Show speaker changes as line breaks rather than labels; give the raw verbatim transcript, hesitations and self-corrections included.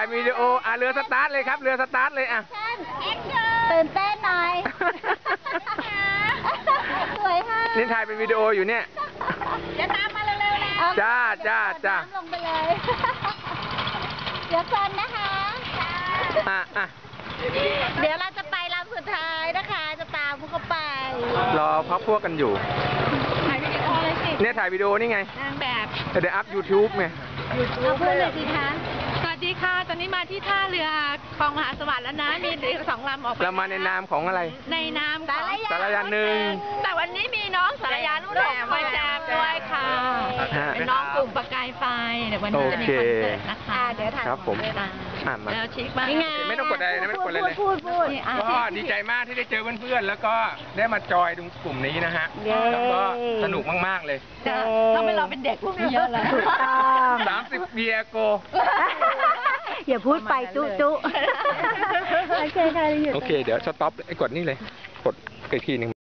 วิดีโออ่ะเรือสตาร์ทเลยครับเรือสตาร์ทเลยอ่ะ
ตื่นเต้นหน่อยสวยค่ะ
นี่ถ่ายเป็นวิดีโออยู่เนี่ย
จะตามมาเร็วๆนะ
จ้าจ้าจ้า
ลงไปเลยเดี๋ยวก่อนนะคะ
อ่ะอ่ะ
เดี๋ยวเราจะไปลำสุดท้ายนะคะจะตามพวกเขาไป
รอพักพวกกันอยู่
ถ่ายวิดีโอเลยสิ
เนี่ยถ่ายวิดีโอนี่ไง
นางแบบ
เดี๋ยวอัพยูทูบไง
เอาพูดเลยสิคะ
สวัสดีค่ะตอนนี้มาที่ท่าเรือคลองมหาสวัสดิ์แล้วนะมีเรือสองลำออก
เรามาในนามของอะไร
ในนามของ
สารยาหนึ่ง
แต่วันนี้มีน้องสารยารุ่นแหลมมาแจมด้วยค่ะเป็นน้องกลุ่มประกายไฟเดี๋ยววันนี้จะมีคอนเสิร์ตนะคะ
เดี๋ยวถ่าย
ครับผม
แล้วชิคมาก
ไม่ต้องกดอะไรนะไม่ต้องกดอะไรเลย
พูดพูด
ก็ดีใจมากที่ได้เจอเพื่อนๆแล้วก็ได้มาจอยตรงกลุ่มนี้นะฮะแล้วก็สนุกมากๆเลย
ต้องไปรอเป็นเด็กพวกนี้เยอะเลย
สามสิบเบียโก
อย่าพูดไปจุ๊จุ๊โอเคค่ะ
โอเคเดี๋ยวสต็อปไอ้กดนี่เลยกดอีกทีหนึ่ง